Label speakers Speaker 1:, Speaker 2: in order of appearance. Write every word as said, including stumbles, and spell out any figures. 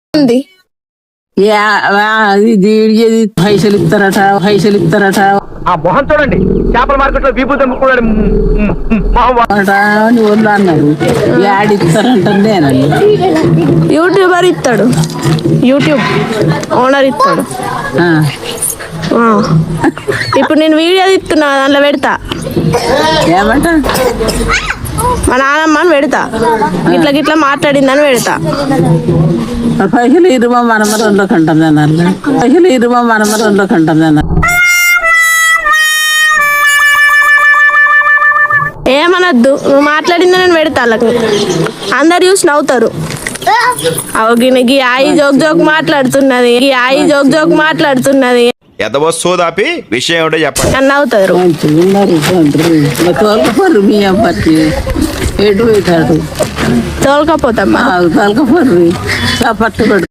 Speaker 1: ఉంది
Speaker 2: ఇది పైసలు ఇస్తారట పైసలు ఇస్తారట
Speaker 3: ఆ మొహం చూడండి చేపల మార్కెట్ లో విభూతి అమ్ముకున్నాడు
Speaker 2: వాళ్ళు అన్నారు యాడ్ ఇస్తారంటేనండి
Speaker 1: యూట్యూబర్ ఇస్తాడు యూట్యూబ్ ఓనర్ ఇస్తాడు ఆ. ఇప్పుడు నేను వీడియో ఇస్తున్నా దాంట్లో పెడతా
Speaker 2: ఏమంట
Speaker 1: మా నాన్నమ్మని పెడతా ఇట్లా గిట్లా మాట్లాడిందని పెడతా
Speaker 2: పైసలు ఇరుమా మనమరంలోకి అంటుంది అన్నారు పైసలు ఇరుమా మనమరంలోకి అంటుంది అన్నారు
Speaker 1: ఏమనద్దు నువ్వు మాట్లాడిందని నేను పెడతా వాళ్ళకి అందరు చూసి నవ్వుతారు అవగినకి ఆయి జోక్ జోక్ మాట్లాడుతున్నది ఈ ఆయి జోక్ జోక్ మాట్లాడుతున్నది
Speaker 4: ఎదవస్తోదాపి విషయం ఏమిటో చెప్పండి
Speaker 1: అని నవ్వుతారు
Speaker 2: తోలకపోరు మీ అబ్బాయి ఎటు పోతాడు
Speaker 1: తోలకపోతామ్మా
Speaker 2: తోలకపోరు పట్టు